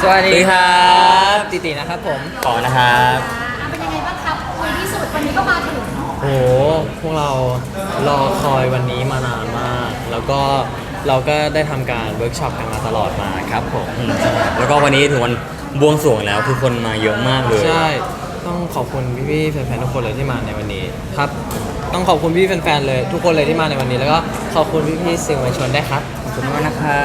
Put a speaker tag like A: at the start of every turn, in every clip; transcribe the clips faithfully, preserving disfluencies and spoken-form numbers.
A: วัสดีครับติตินะครับผม
B: ต่อนะครับ
C: อ่าเป็นยังไงบ้างครับในที่สุดวันนี้ก็มาถึง
A: โอ้โหพวกเรารอคอยวันนี้มานานมาก แล้วก็เราก็ได้ทำการเวิร์กช็อปกันมาตลอดมาครับผม
B: แล้วก็วันนี้ถึงวันบวงสรวงแล้วคือคนมาเยอะมากเลย
A: ใช่ต้องขอบคุณพี่ๆแฟนๆทุกคนเลยที่มาในวันนี้ครับต้องขอบคุณพี่แฟนๆเลยทุกคนเลยที่มาในวันนี้ แล้วก็ขอบคุณพี่ๆสื่อมวลชนได้วยครับ
B: ขอบคุณมากนะครับ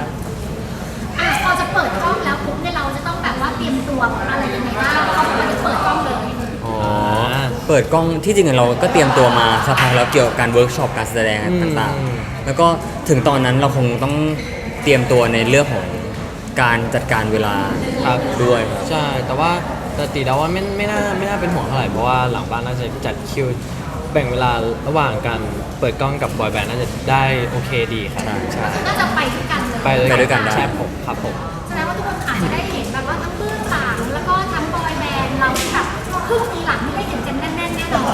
C: อ่ะพอจะเปิดกล้องแล้วปุ๊บเนี่ยเราจะต้องแบบว่าเตรียมตัวอะไรยังไงบ้างเพราะว่าจะเปิดกล้องเลย
B: อ๋อเปิดกล้องที่จริงเราก็เตรียมตัวมาสักพักแล้วเกี่ยวกับการเวิร์กช็อปการแสดงต่างๆแล้วก็ถึงตอนนั้นเราคงต้องเตรียมตัวในเรื่องของการจัดการเวลา
A: ครับ
B: ด้วย
A: ใช่แต่ว่าแต่ตีเดาว่าไม่ไม่น่าไม่น่าเป็นห่วงเท่าไหร่เพราะว่าหลังบ้านน่าจะจัดคิวแบ่งเวลาระหว่างการเปิดกล้องกับบอยแบนด์น่าจะได้โอเคดีครับใช่
C: น่าจะไปด้วยกันเลย
A: ไปด้วยกันได้ใช่ผมครับผม
C: แสดงว่าทุกคนอาจจะได้เห็นแบบว่าทั้งเบื้องหลังแล้วก็ทั้งบอยแบนด์เราที่แบบครึ่งปีหลังที่ได้เห็นกันแน่นๆแน่นอน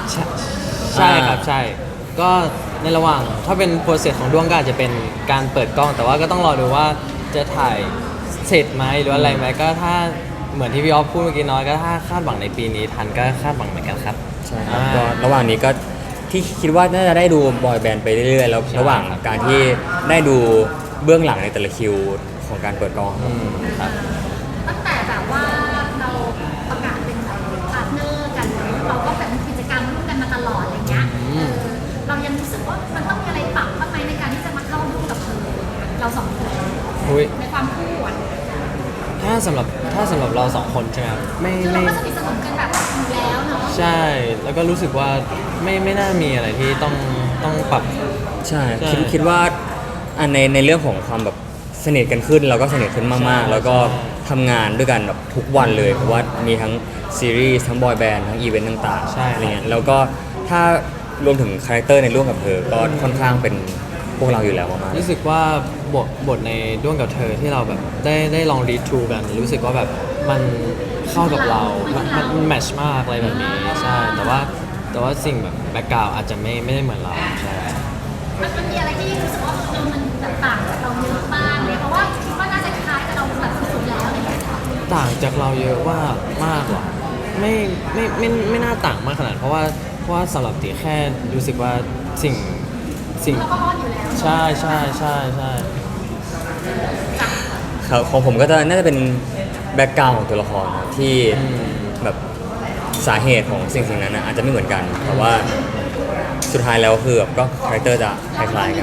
A: ใช่ใช่ครับใช่ก็ในระหว่างถ้าเป็นโปรเซสของด้วงก็อาจจะเป็นการเปิดกล้อง แต่ว่าก็ต้องรอดูว่าจะถ่ายเสร็จไหมหรืออะไรไหมก็ถ้าเหมือนที่พี่ออฟพูดเมื่อกี้น้อยก็ถ้าคาดหวังในปีนี้ทันก็คาดหวังเหมือนกันครับ
B: ใช่ครับก็ระหว่างนี้ก็ที่คิดว่าน่าจะได้ดูบอยแบนด์ไปเรื่อยๆแล้วระหว่างการที่ได้ดูเบื้องหลังในแต่ละคิวของการเปิดกล้องครับ
C: ตั้งแต่แบบว่าเราประกาศเป็นพาร์ทเนอร์กันเราก็แบบมีกิจกรรมร่วมกันมาตลอดอะไรเงี้ยเรายังรู้สึกว่ามันต้องมีอะไรปรับบ้างไหมในการที่จะมาเข้าร่วมกับเธอเราสองคนในความคู่อ่ะ
A: ถ้าสำหรับถ้าสำหรับเราสองคนใช่ไหมครับไม่
C: คือเรา
A: ไม่
C: ก็สนิทสนมกันแบบอยู่แล้วเนาะ
A: ใช่แล้วก็รู้สึกว่าไม่ไม่น่ามีอะไรที่ต้องต้องปรับ
B: ใช่คิดคิดว่าอันในในเรื่องของความแบบสนิทกันขึ้นเราก็สนิทขึ้นมากๆแล้วก็ทำงานด้วยกันแบบทุกวันเลยเพราะว่ามีทั้งซีรีส์ทั้งบอยแบนด์ทั้งอีเวนต์ต่างๆ
A: ใช่
B: อะไรเงี้ยแล้วก็ถ้ารวมถึงคาแรคเตอร์ในร่วมกับเธอก็ค่อนข้างเป็นพวกเราอยู่แล้วมากๆ
A: รู้สึกว่าบทบทในด้วงกับเธอที่เราแบบได้ได้ลองรีทูกันรู้สึกว่าแบบมันเข้ากับเรา มันมันแมทช์มากอะไรแบบนี้ใช่แต่ว่าแต่ว่าสิ่งแบบแบ็กกราวด์อาจจะไม่ไม่ได้เหมือนเราใช่
C: มันมันมีอะไรที่รู้สึกว่าเออมันแบบต่างจากเราเยอะมากเลยเพราะว่าคิดว่าน่าจะคล้ายกับเราแบบสุดๆแล้วอะไรอย่างเงี้ย
A: ต่างจากเราเยอะว่ามากหรอไม่ไม่ไม่ไม่น่าต่างมากขนาดเพราะว่าเพราะว่าสำหรับตีแค่รู้สึกว่าสิ่งสิ่ง
C: เราก็อ้อนอยู่แล้ว
A: ใช่ใช่ใช่ใช่
B: ครับของผมก็จะน่าจะเป็นแบ็กกราวด์ของตัวละครที่แบบสาเหตุของสิ่งสิ่งนั้นนะอาจจะไม่เหมือนกันแต่ว่าสุดท้ายแล้วคือแบบก็คาแรคเตอร์จะคล้ายๆกัน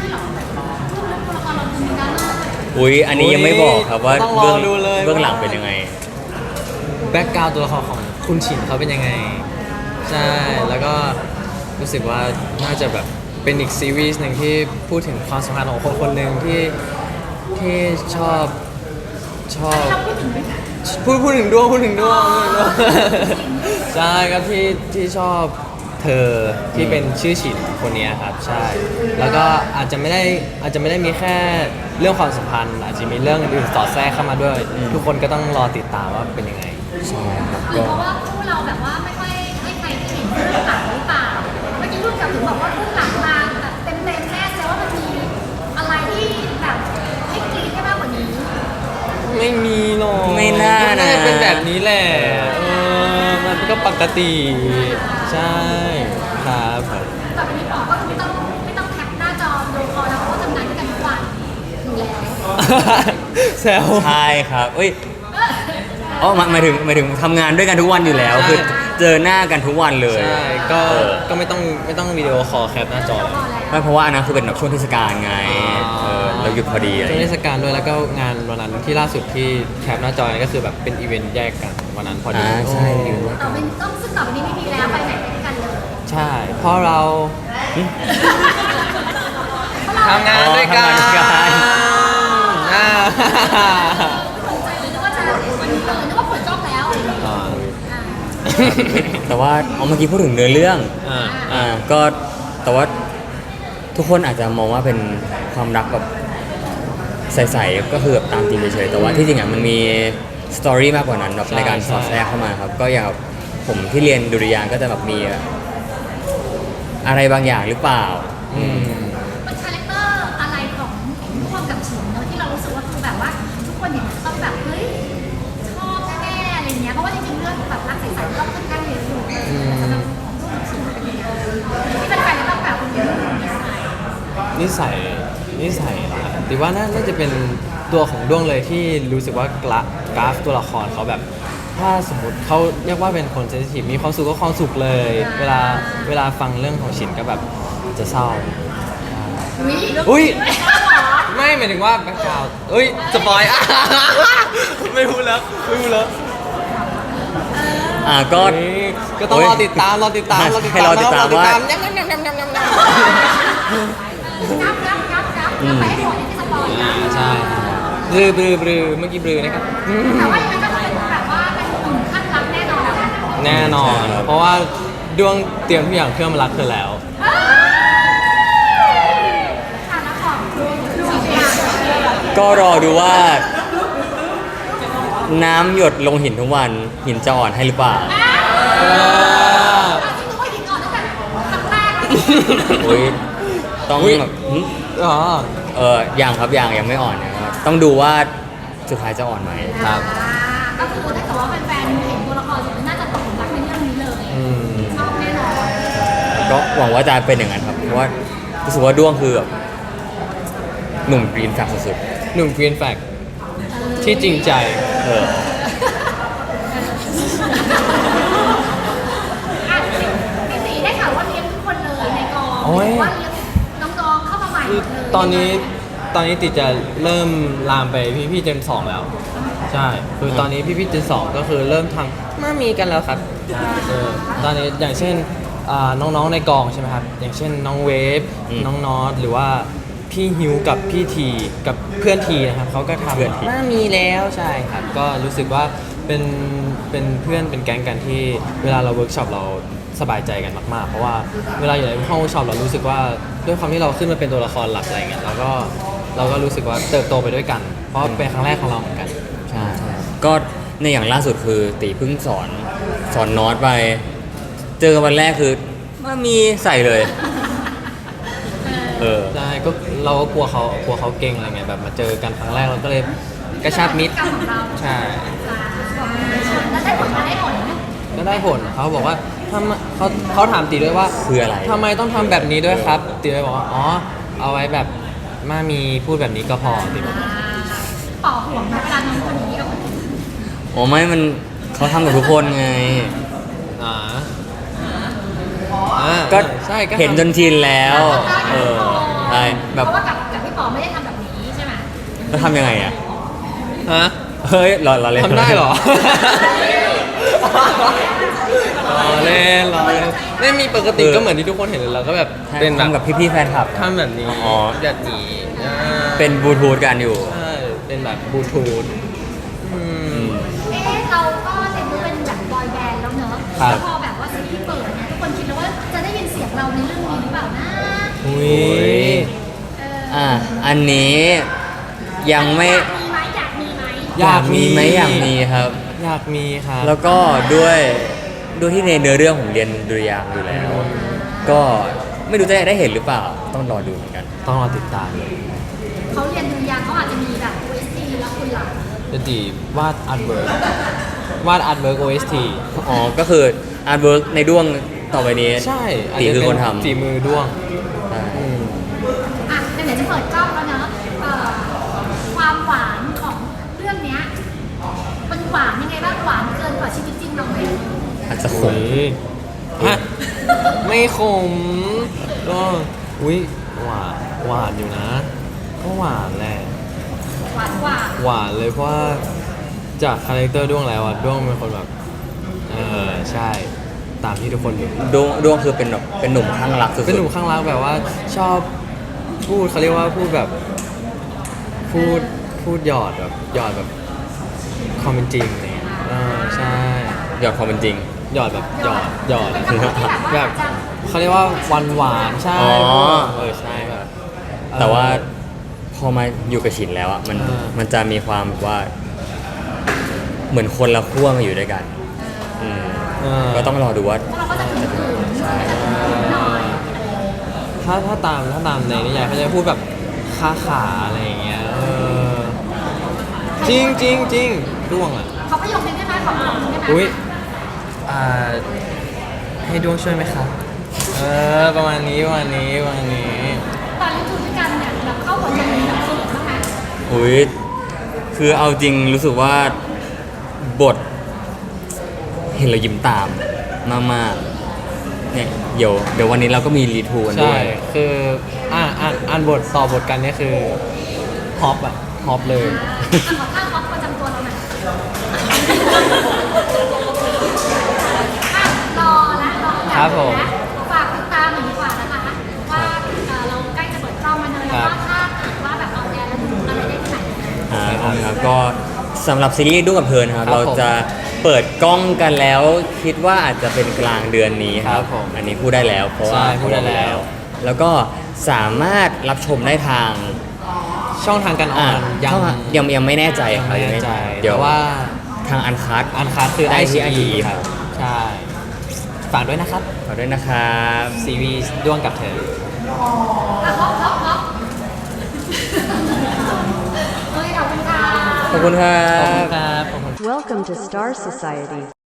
B: อุ้ยอันนี้ยังไม่บอกครับว่าเบื้องเบื้องหลังเป็นยังไง
A: แบ็กกราวด์ตัวละครของคุณฉินเขาเป็นยังไงใช่แล้วก็รู้สึกว่าน่าจะแบบเป็นอีกซีรีส์หนึ่งที่พูดถึงความสัมพันธ์ของคนคนหนึ่งที่ที่ชอบชอบพูดพูดถึงดวงพูดถึงดวงใช่ครับที่ที่ชอบเธอที่เป็นชื่อฉินคนนี้ครับใช่แล้วก็อาจจะไม่ได้อาจจะไม่ได้มีแค่เรื่องความสัมพันธ์อาจจะมีเรื่องอื่นๆสอดแทรกเข้ามาด้วยทุกคนก็ต้องรอติดตามว่าเป็นยังไง
B: ใช่ครับ
C: ก็เพราะว่าคู่เราแบบว่าไม่ค่อยให้ใครได้เห็นเบื้องหลังหรือเปล่าเมื่อกี้รุ่นกับถึงบอกว่าเบื้องหลังมาแบบเต็มเต็มแน่แต่ว่ามันมีอะไรที่แบบให้กรี๊ดได้มากกว่านี้
A: ไม่มีหรอก
B: ไม่น่านะ
A: เป็นแบบนี้แหละเออมันก็ปกติใช่ครับ
C: ต่อไปนี้บอกก็ไม่ต้องไม่ต้องแคปหน้าจอดูคอแล้วเพราะว่าทำงานด้วยกันทุกวันอยู่แล้ว
A: แซว
B: ใช่ครับเอ้ยอ๋อหมายถึงหมายถึงทำงานด้วยกันทุกวันอยู่แล้วคือเจอหน้ากันทุกวันเลย
A: ใช่ก็ก็ไม่ต้องไม่ต้องวิดีโอคอลแคปหน้าจอ
B: ไม่เพราะว่าอันนั้นคือเป็นแบบช่วงเทศกาลไงเออเราหยุดพอดีอะไร
A: ช่วงเทศกาลด้วยแล้วก็งานวันนั้นที่ล่าสุดที่แคปหน้าจอก็คือแบบเป็นอีเวนต์แยกกันวันนั้นพอดี
B: ใช่
C: ต่อไปต้องซึ่งต่อไปนี้ไม่มีแล้วไปไหนไปด้วยกันเลย
A: ใช่เพราะเราทำงานด้วยกัน
C: อ่าสนใจเลยนึกว่าจะวันนี้เออนึกว่าเปิดกล้องแล้ว
B: แต่ว่าเอาเมื่อกี้พูดถึงเนื้อเรื่องอ่าก็แต่ว่าทุกคนอาจจะมองว่าเป็นความรักแบบใสๆก็คือแบบตามจริงเฉยๆแต่ว่าที่จริงอ่ะมันมีสตอรี่มากกว่านั้นแบบในการสอดแทรกเข้ามาครับก็อย่างผมที่เรียนดุริยางค์ก็จะแบบมีอะไรบางอย่างหรือเปล่า
C: มันคาแรคเตอร์อะไรของร่วมกับฉินเนอะที่เรารู้สึกว่าคือแบบว่าทุกคนเนี่ยต้องแบบ
A: นิสัยนิสัยเหรอติว่าน่าน่าจะเป็นตัวของด้วงเลยที่รู้สึกว่ากราฟกราฟตัวละครเขาแบบ ถ้าสมมติเขาเรียกว่าเป็นคนเซนซิทีฟมีความสุขก็ความสุขเลย เวลาเวลาฟังเรื่องของฉินก็แบบจะเศร้า อุ้ย ไม่หมายถึงว่าแบ็คกราวด์เอ้ยสปอยอ่ะ ไม่พูดแล้วไม่พูดแล้ว
B: อ่าก็
A: นี่ก็ต้องรอติดตามรอติดตามรอติด
B: ให้
A: ตาม
B: รอติดตามว่า
A: ยำยำยำยำยำยำยำ
C: งับงับงับงับงับไปให้หมดที่สปอยล์นะ
A: ใช่บลือบลือบลือเมื่อกี้บลือนะครับ
C: แต่ว่ายังไงก็เป็นแบบว่าเป็นกลุ่มขั้นรักแน่นอน
A: แน่นอน
B: ใช่ครับ
A: เพราะว่าดวงเตรียมทุกอย่างเพื่อมารักเธอแล้ว
C: อ่ะแล้วของดูดูอย่าง
B: ก็รอดูว่า น้ำหยดลงหินทุกวันหินจะอ่อนให้หรือเปล่า
C: ที่รู้ว่าหญิงอ่อนตั้งแต่ครั้งแรกแล้ว
B: อุ้ยต้อง
A: อุ๊ย
B: แบบหึ
A: อ๋อ
B: เออยังครับยังยังไม่อ่อนนะครับต้องดูว่าสุดท้ายจะอ่อนไหม
A: ครับ
C: อ่าก็คือถ้าเกิดว่าแฟนๆเห็นตัวละครสุดน่าจะตกหลุมรักในเรื่องนี้เลย
A: อืม
C: ชอบแน่นอน
B: ก็หวังว่าจะเป็นอย่างนั้นครับ เพราะว่ารู้สึกว่าด้วงคือแบบหนุ่มกรีนแฟกสุด
A: หนุ่มกรีนแฟกที่จริงใจ
B: ๆเออ
C: อ่ะพี่ตีได้ข่าวว่าเลี้ยงทุกคนเลยในกอง
A: โอ้ย
C: หรือว่าเลี้ยงน้องๆเข้ามาใหม่หมดเลย
A: ตอนนี้ตอนนี้ติดจะเริ่มลามไปพี่พี่เจนสองแล้ว ใช่คือตอนนี้พี่พี่เจนสองก็คือเริ่มทำมามีกันแล้วครับเออตอนนี้อย่างเช่นอ่าน้องๆในกองใช่ไหมครับอย่างเช่นน้องเวฟ
B: อืม
A: น้องนอตหรือว่าพี่ฮิวกับพี่ทีกับเพื่อนทีนะครับเขาก็ทำ
B: เพื่อนที
A: มามีแล้วใช่ครับก็รู้สึกว่าเป็นเป็นเพื่อนเป็นแก๊งกันที่เวลาเราเวิร์กช็อปเราสบายใจกันมากๆ เพราะว่าเวลาอยู่ในห้องเวิร์กช็อปเรารู้สึกว่าด้วยความที่เราขึ้นมาเป็นตัวละครหลักอะไรเงี้ยเราก็เราก็รู้สึกว่าเติบโตไปด้วยกัน เพราะเป็นครั้งแรกของเราเหมือนกัน
B: ใช่ก็ในอย่างล่าสุดคือตีเพิ่งสอนสอนนอตไป เจอกันวันแรกคือมามีใส่เลย เออ
A: ใช่ก็เราก็กลัวเขากลัวเขาเก่งอะไรเงี้ยแบบมาเจอกันครั้งแรกเราก็เลยกระชับมิตร
C: กรรมของเรา
A: ใช่
C: แล้วได้ผลมาได้ผลไหม
A: ก็ได้ผลเขาบอกว่าทำเขาเขาถามตีด้วยว่า
B: คืออะไร
A: ทำไมต้องทำแบบนี้ด้วยครับตีเลยบอกว่าอ๋อเอาไว้แบบมามีพูดแบบนี้ก็พอตีบอก
C: อ่าต่อห่วงไหมเวลาน้องคนนี้กับคนอื่น
B: โอ้ไม่มันเขาทำกับทุกคนไง
A: อ่าอ่า
B: ก็
A: ใช่ก็
B: เห็นจนชินแล้ว เออใช่แบบ
C: เพราะว่ากับกับพี่ปอไม่ได้ทำแบบนี้ใช่ไหม
B: แล้วทำยังไงอ่ะ
A: ฮะ
B: เฮ้ยรอรอเล่น
A: ทำได้เหรอ รอเล่นรอเล่นไม่มีปกติก็เหมือนที่ทุกคนเห็นเลยเราก็แบบเป็นแบบ
B: ทำกับพี่ๆแฟนคลับ
A: ทำแบบนี้
B: อ๋อ
A: แบบนี้อ่า
B: เป็นบลูทูธกันอยู่
A: ใช่เป็นแบบบลูทูธอืม
C: เอ๊ะเราก็เต็มตัวเป็นแบบบอยแบนด์แล้วเนอะ
A: ครับ
C: แล้วพอแบบว่าซีรีส์เปิดเนี่ยทุกคนคิดแล้วว่าจะได้ยินเสียงเราในเรื่องนี้หรือเปล่านะ
A: อุ้ย
C: เออ
B: อ่ะอันนี้ยังไม่
C: อยากมีไหมอยากมีไหม
B: อยากมีไหมอยากมีครับ
A: อยากมีครับ
B: แล้วก็ด้วยด้วยที่ในเนื้อเรื่องผมเรียนดุริยางค์อยู่แล้ว ก็ไม่รู้จะได้เห็นหรือเปล่า ต้องรอดูเหมือนกัน
A: ต้องรอติดตามเลย
C: เขาเรียนดุริยางค์เขาอาจจะมีแบบ โอ เอส ที แล้วคุณล่ะ
A: จะดีวาดอาร์ตเวิร์กวาดอาร์ตเวิร์ก โอ เอส ที
B: อ๋อ ก็คืออาร์ตเวิร์กในด้วงต่อไปนี้
A: ใช่
B: ตีคือคนทำ
A: าจจะเป็ฝีมือด้วง
B: ใช่
A: อืม
C: อ่ะเดี๋ยวจะเปิดกล้องแล้วเนอะเอ่อความหวานของเรื่องเนี้ยมันหวานยังไงบ้างหวานเกินกว่าชีวิตจริงเราไหม
B: อาจจะขม
A: ฮะ ไม่ขม ก็อุ้ยหวานหวานอยู่นะ ก็หวานแหละ
C: หวานกว่า
A: หวานเลยเพราะว่าจากคาแรคเตอร์ด้วงแล้วอะด้วงเป็นคนแบบ เออใช่ตามที่ทุกคนรู้
B: ด้วงด้วงคือเป็นแบบเป็นหนุ่มข้างรักสุดๆ
A: เป็นหนุ่มข้างรักแบบว่าชอบพูดเขาเรียกว่าพูดแบบ พูดพูดหยอดแบบหยอดแบบความเป็นจริงอะไรเนี่ยเออใช่
B: หยอดความเป็นจริง
A: หยอดแบบหยอดหยอด
C: เป็นคนที่แบบว่า
A: แบบ
C: จะ
A: เขาเรียกว่าหวานหวานๆใช่
B: อ๋อ
A: เออใช่แบบ
B: แต่ว่าพอมาอยู่กับฉินแล้วอ่ะมัน
A: อ่ามั
B: มันจะมีความแบบว่า เหมือนคนละขั้วมาอยู่ด้วยกันอืม
A: เออ
B: ก็ต้องรอดูว่า
C: เราก็จะถึงถึง
B: ใช่
C: หน่อย
A: ถ้าถ้าตามถ้าตามในนิยายเขาจะพูดแบบค้าขาอะไรอย่างเงี้ยเออจริงจริงจริงด้วงอ่ะ
C: เขาประโยคนึงได้ไหมขอประโยคนึงได้ไหม
A: อุ้ยอ่าให้ด้วงช่วยไหมครับเออประมาณนี้ประมาณนี้ประมาณนี้
C: ตอนเล่นดูด้วยกันเนี่ยแบบเข้าบทจะมีแบบเขินบ้างไหม
B: อุ้ยคือเอาจริงรู้สึกว่าบท เห็นเรายิ้มตามมากๆเนี่ยเดี๋ยวเดี๋ยววันนี้เราก็มีรีทูกันด้
A: ใช่
B: วย
A: คืออ่านอ่านอ่านบทต่อบทกันเนี่ยคือฮอปอะฮอปเลย
C: อ่ะขอท่าฮอปประจำตัวเราหน่อยอ่ะรอและรออยาก
A: ครับผม
C: และฝากติดตามหน่อยดีกว่านะคะว่าเอ่อเราใกล้จะเปิดกล้องมาเลยแล้วก็ถ้าเกิดว่าแบบเอาแอร์แล้วดูอะไรได้ที่ไหน
B: อ่าครับก็สำหรับซีรีส์ดูกับเพลินครับ
A: ครับ
B: เราจะเปิดกล้องกันแล้ว คิดว่าอาจจะเป็นกลางเดือนนี้ค
A: ครั
B: รับบ
A: ผม
B: อันนี้พูดได้แล้ว เพราะว่า
A: ใช่พูดได้แล้ว
B: แล้วก็สามารถรับชมได้ทาง
A: ช่องทางการอ
B: อ่า
A: อนยัง
B: เข้ามายังยังไม่แน่ใจ
A: ยัง
B: ครับ
A: ไม่แน่ใจ
B: เดี๋ยว
A: แต่ว่า
B: ทางอันคัด
A: อันคัดคือ
B: ได้
A: ไอ
B: ที่
A: ซี
B: ไอ
A: ครับใช่ฝากด้วยนะครับ
B: ขอด้วยนะครับ
A: ซีรีส์ด้วงกับเธอ
C: อ่ะฮอปฮอปฮอปเฮ้ยขอบคุณค่ะ
B: ขอบคุณครั
A: ขอบคุณ
B: บ
A: ครับขอบคุณ
D: Welcome to Star Society.